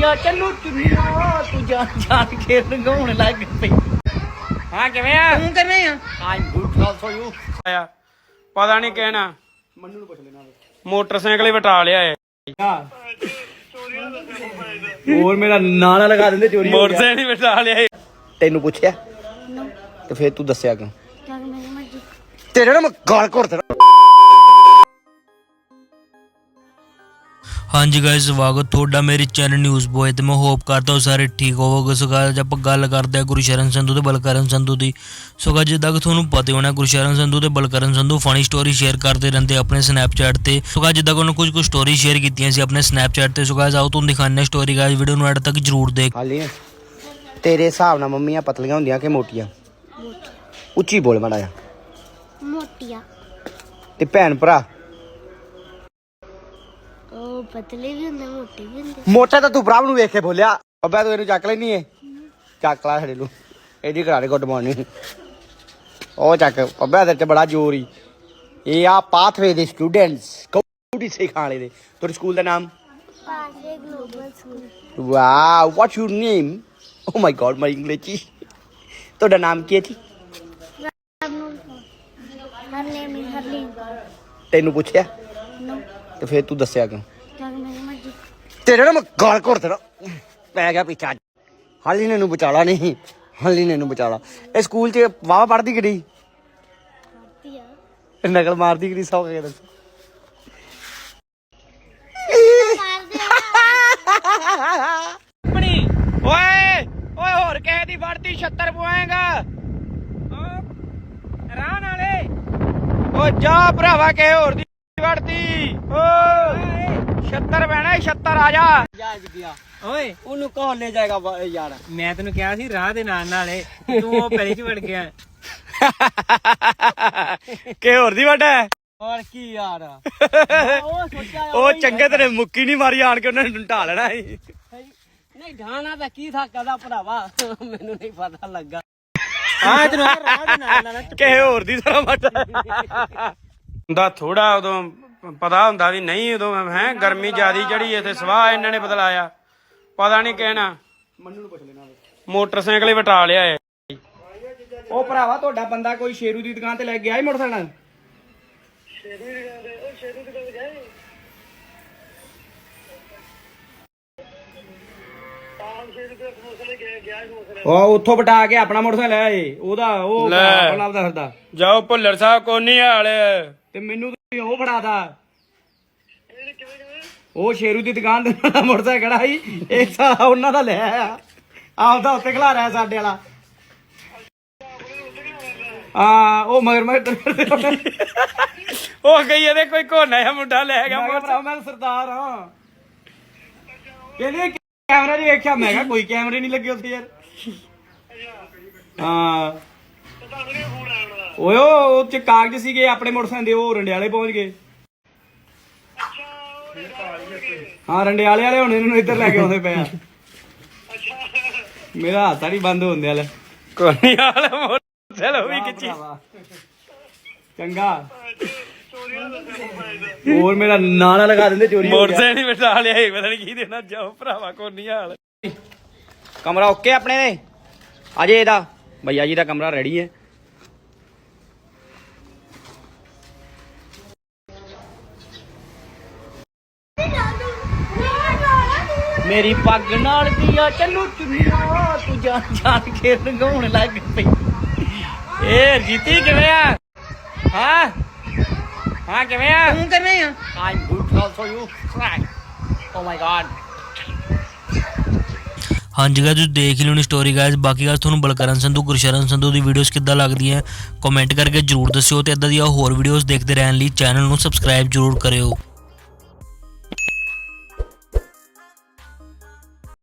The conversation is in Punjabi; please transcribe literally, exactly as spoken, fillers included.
ਦੀਆਂ ਚੱਲੂ ਚੁੰਨੀਆਂ ਤੂੰ ਜਾਣ ਜਾਣ ਕੇ ਰੰਗਾਉਣ ਲੱਗ ਪਈ। ਹਾਂ ਕਿਵੇਂ ਆ? ਤੂੰ ਕਿਵੇਂ ਆ? I'm good also you. ਆਇਆ ਪਤਾ ਨਹੀਂ ਕਹਿਣਾ ਮੰਨੂ ਨੂੰ ਪੁੱਛ ਲੈਣਾ ਮੋਟਰਸਾਈਕਲ ਹੀ ਵਟਾ ਲਿਆ ਏ। ਹੋਰ ਮੇਰਾ ਨਾਂ ਨਾ ਲਗਾ ਦਿੰਦੇ ਚੋਰੀ ਮੋਟਰਸਾਈਕਲ ਹੀ ਵਟਾ ਲਿਆ ਏ। ਤੈਨੂੰ ਪੁੱਛਿਆ ਤੇ ਫੇਰ ਤੂੰ ਦੱਸਿਆ ਕਿਉਂ? ਤੇਰੇ ਨਾਲ ਮੈਂ ਗਾਲ ਘੋੜ ਦੇਣਾ। हाँ जी गाइस स्वागत ਤੁਹਾਡਾ ਮੇਰੇ ਚੈਨਲ ਨਿਊਜ਼ ਬੋਏ ਤੇ ਮੈਂ ਹੋਪ ਕਰਦਾ ਹਾਂ ਸਾਰੇ ਠੀਕ ਹੋਵੋਗੇ। ਸੋ ਗਾਇਸ ਆਪਾਂ ਗੱਲ ਕਰਦੇ ਹਾਂ ਗੁਰਸ਼ਰਨ ਸੰਧੂ ਤੇ ਬਲਕਰਨ ਸੰਧੂ ਦੀ। ਸੋ ਗਾਇਸ ਜਿੱਦਾਂ ਕਿ ਤੁਹਾਨੂੰ ਪਤਾ ਹੋਣਾ ਗੁਰਸ਼ਰਨ ਸੰਧੂ ਤੇ Balkaran Sandhu funny story share ਕਰਦੇ ਰਹਿੰਦੇ ਆਪਣੇ ਸਨੈਪਚੈਟ ਤੇ। ਸੋ ਗਾਇਸ ਜਿੱਦਾਂ ਕਿ ਉਹਨਾਂ ਕੁਝ ਕੁ ਸਟੋਰੀ ਸ਼ੇਅਰ ਕੀਤੀਆਂ ਸੀ ਆਪਣੇ ਸਨੈਪਚੈਟ ਤੇ। ਸੋ ਗਾਇਸ ਆਓ ਤੁਹਾਨੂੰ ਦਿਖਾਉਂਦੇ ਹਾਂ ਸਟੋਰੀ। ਗਾਇਸ ਵੀਡੀਓ ਨੂੰ ਐਡ ਤੱਕ ਜਰੂਰ ਦੇਖ। ਹਾਲੀ ਤੇਰੇ ਹਿਸਾਬ ਨਾਲ ਮੰਮੀਆਂ ਪਤਲੀਆਂ ਹੁੰਦੀਆਂ ਕਿ ਮੋਟੀਆਂ? ਉੱਚੀ ਬੋਲ ਮਾੜਾ ਜਿਹਾ। ਮੋਟੀਆਂ। ਤੇ ਭੈਣ ਭਰਾ ਉਹ ਪਤਲੇ ਵੀ ਹੁੰਦੇ ਮੋਟੇ ਵੀ ਹੁੰਦੇ। ਮੋਟਾ ਤਾਂ ਤੂੰ ਭਰਾ ਨੂੰ ਵੇਖ ਕੇ ਬੋਲਿਆ। ਅੱਬਾ ਤੂੰ ਇਹਨੂੰ ਚੱਕ ਲੈਣੀ ਏ। ਚੱਕ ਲਾ ਸਾਡੇ ਨੂੰ ਇਹਦੀ ਕਰਾ ਦੇ ਗੁੱਡ ਮਾਰਨਿੰਗ। ਉਹ ਚੱਕ ਅੱਬਾ ਤੇਰੇ ਤੇ ਬੜਾ ਜ਼ੋਰ ਹੀ। ਇਹ ਆ ਪਾਥਵੇ ਦੇ ਸਟੂਡੈਂਟਸ ਕੌਡੀ ਸਿਖਾਣ ਵਾਲੇ ਦੇ। ਤੁਹਾਡੇ ਸਕੂਲ ਦਾ ਨਾਮ? ਪਾਸੇ global school. Wow what's your name? Oh my god my English. ਤੁਹਾਡਾ ਨਾਮ ਕੀ ਹੈ ਜੀ? Her name is Harleen. ਤੈਨੂੰ ਪੁੱਛਿਆ ਨੋ ਤੇ ਫੇਰ ਤੂੰ ਦੱਸਿਆ ਕਿਉਂ? ਜਗ ਮੇਰੀ ਮਰਜ਼ੀ। ਤੇਰੇ ਨਾਲ ਮੈਂ ਗਾਲ ਘੋੜ ਦੇਣਾ। ਪੈ ਗਿਆ ਪਿੱਛਾ। ਹਾਲੀ ਨੇ ਨੂੰ ਬਚਾਲਾ ਨਹੀਂ। ਹਾਲੀ ਨੇ ਨੂੰ ਬਚਾਲਾ। ਇਹ ਸਕੂਲ ਚ ਵਾਵਾ ਪੜਦੀ ਕਿਹੜੀ? ਕਰਤੀ ਆ। ਨਕਲ ਮਾਰਦੀ ਕਿਹੜੀ ਸੌ ਕੇ ਦੱਸ। ਆਪਣੀ ਓਏ ਓਏ ਹੋਰ ਕਿਸੇ ਦੀ ਵੜਦੀ ਛੱਤਰ ਪਵਾਏਗਾ ਰਾਹ ਨਾਲੇ। ਓ ਜਾ ਭਰਾਵਾ ਕਿਸੇ ਹੋਰ ਦੀ ਵੜਦੀ। ਓ ਛੱਤਰ ਬਹਿਣਾ ਛੱਤਰ ਆ ਜਾ। ਜਾ ਗਿਆ ਓਏ ਉਹਨੂੰ ਕੌਣ ਲੈ ਜਾਏਗਾ ਯਾਰ? ਮੈਂ ਤੈਨੂੰ ਕਿਹਾ ਸੀ ਰਾਹ ਦੇ ਨਾਲ ਨਾਲੇ ਤੂੰ ਉਹ ਪੈਲੀ ਚ ਵੜ ਗਿਆ। ਕਿਸੇ ਹੋਰ ਦੀ ਵੜ ਹੈ ਹੋਰ ਕੀ ਯਾਰ? ਉਹ ਸੋਚਿਆ ਉਹ ਚੰਗੇ ਤੇਰੇ ਮੁੱਕੀ ਨਹੀਂ ਮਾਰੀ ਆਣ ਕੇ ਉਹਨਾਂ ਨੇ ਢਾ ਲੈਣਾ ਸੀ। ਨਹੀਂ ਢਾਣਾ ਤਾਂ ਕੀ ਥਾ ਕਦਾ ਭਰਾਵਾ ਮੈਨੂੰ ਨਹੀਂ ਪਤਾ ਲੱਗਾ। ਹਾਂ ਤੈਨੂੰ ਰਾਹ ਦੇ ਨਾਲ ਨਾਲ ਕਿਸੇ ਹੋਰ ਦੀ ਤਰ੍ਹਾਂ ਵੜ ਹੁੰਦਾ ਥੋੜਾ ਉਦੋਂ ਪਤਾ ਹੁੰਦਾ ਵੀ ਨਹੀਂ ਉਦੋਂ ਹੈ ਗਰਮੀ ਜ਼ਿਆਦੀ ਚੜੀ ਇੱਥੇ ਸਵਾਹ ਇਹਨਾਂ ਨੇ ਬਦਲਾਇਆ। ਪਤਾ ਨਹੀਂ ਕਹਿਣਾ ਮੰਨੂ ਨੂੰ ਪੁੱਛ ਲੈਣਾ ਮੋਟਰਸਾਈਕਲ ਹੀ ਵਟਾ ਲਿਆ ਏ। ਉਹ ਭਰਾਵਾ ਤੁਹਾਡਾ ਬੰਦਾ ਕੋਈ ਸ਼ੇਰੂ ਦੀ ਦੁਕਾਨ ਤੇ ਲੈ ਗਿਆ ਹੀ ਮੋਟਰਸਾਈਕਲ? ਸ਼ੇਰੂ ਦੀ ਦੁਕਾਨ ਤੇ ਉਹ ਸ਼ੇਰੂ ਦੀ ਦੁਕਾਨ ਗਏ ਉਹ ਉੱਥੋਂ ਬਟਾ ਕੇ ਆਪਣਾ ਮੋਟਰਸਾਈਕਲ ਲੈ ਆਏ। ਉਹਦਾ ਉਹ ਆਪਣਾ ਆਪਦਾ ਫਿਰਦਾ। ਜਾਓ ਭੁੱਲਰ ਸਾਹਿਬ ਕੋਨੀ ਹਾਲ ਤੇ ਮੈਨੂੰ ਤੁਸੀਂ ਉਹ ਫੜਾਦਾ। ਉਹ ਸ਼ੇਰੂ ਦੀ ਦੁਕਾਨ ਦੇ ਨਾਲ ਮੋਟਰਸਾਈਕਲ ਖੜਾ ਸੀ। ਇੱਕ ਸਾਲਾ ਉਹਨਾਂ ਦਾ ਲੈ ਆਇਆ ਆਪਦਾ ਉੱਤੇ ਖਲਾ ਰਿਹਾ ਸਾਡੇ ਵਾਲਾ। ਹਾਂ ਉਹ ਮਗਰ ਮਗਰ ਉਹ ਗਈ ਇਹਦੇ ਕੋਈ ਕੋਨਾ ਜਿਹਾ ਮੁੰਡਾ ਲੈ ਗਿਆ। ਭਰਾ ਮੈਂ ਸਰਦਾਰ ਹਾਂ। ਕਹਿੰਦੇ ਕੈਮਰਾ ਨਹੀਂ ਵੇਖਿਆ। ਮੈਂ ਕਿਹਾ ਕੋਈ ਕੈਮਰੇ ਨਹੀਂ ਲੱਗੇ ਉੱਥੇ ਯਾਰ। ਹਾਂ ਓਏ ਉਹ ਚ ਕਾਗਜ਼ ਸੀਗੇ ਆਪਣੇ ਮੋਟਰਸਾਈਕਲ ਦੇ। ਉਹ ਰੰਡਿਆਲੇ ਪਹੁੰਚ ਗਏ। ਹਾਂ ਰੰਡਿਆਲੇ ਵਾਲੇ ਹੁਣ ਇਹਨੂੰ ਇੱਧਰ ਲੈ ਕੇ ਆਉਂਦੇ ਪਏ ਆ। ਮੇਰਾ ਹੱਥ ਨਹੀਂ ਬੰਦ ਹੁੰਦੇ ਵਾਲੇ ਕੋਨੀ ਹਾਲ ਮੋਟਰਸਾਈਕਲ ਵੀ ਖਿੱਚੀ। ਚੰਗਾ ਹੋਰ ਮੇਰਾ ਨਾਂ ਨਾ ਲਗਾ ਦਿੰਦੇ ਚੋਰੀ। ਮੋਟਰਸਾਈਕਲ ਹੀ ਵਟਾ ਲਿਆ ਏ। ਪਤਾ ਨਹੀਂ ਕੀ ਦੇਣਾ। ਜਾਓ ਭਰਾਵਾ ਕੋਨੀ ਹਾਲ। ਕਮਰਾ ਓਕੇ ਆਪਣੇ ਦੇ ਅਜੇ ਇਹਦਾ ਭਈਆ ਜੀ ਦਾ ਕਮਰਾ ਰੈਡੀ ਹੈ। ਮੇਰੀ ਪੱਗ ਨਾਲ ਦੀਆਂ ਚੱਲੂ ਚੁੰਨੀਆਂ ਤੂੰ ਜਾਣ ਜਾਣ ਕੇ ਰੰਗਾਉਣ ਲੱਗ ਪਈ। ਏ ਜੀਤੀ ਕਿਵੇਂ ਆ? ਹਾਂ ਹਾਂ ਕਿਵੇਂ ਆ? ਤੂੰ ਕਿਵੇਂ ਆ? I'm good also you. Oh my god. ਹਾਂਜੀ ਗਾਇਸ ਤੁਸੀਂ ਦੇਖ ਹੀ ਲਿਓਣੀ ਸਟੋਰੀ ਗਾਇਸ। ਬਾਕੀ ਗੱਲ ਤੁਹਾਨੂੰ ਬਲਕਰਨ ਸੰਧੂ ਗੁਰਸ਼ਰਨ ਸੰਧੂ ਦੀ ਵੀਡੀਓਜ਼ ਕਿੱਦਾਂ ਲੱਗਦੀਆਂ ਕਮੈਂਟ ਕਰਕੇ ਜਰੂਰ ਦੱਸਿਓ। ਤੇ ਇਦਾਂ ਦੀਆਂ ਹੋਰ ਵੀਡੀਓਜ਼ ਦੇਖਦੇ ਰਹਿਣ ਲਈ ਚੈਨਲ ਨੂੰ ਸਬਸਕ੍ਰਾਈਬ ਜਰੂਰ ਕਰਿਓ।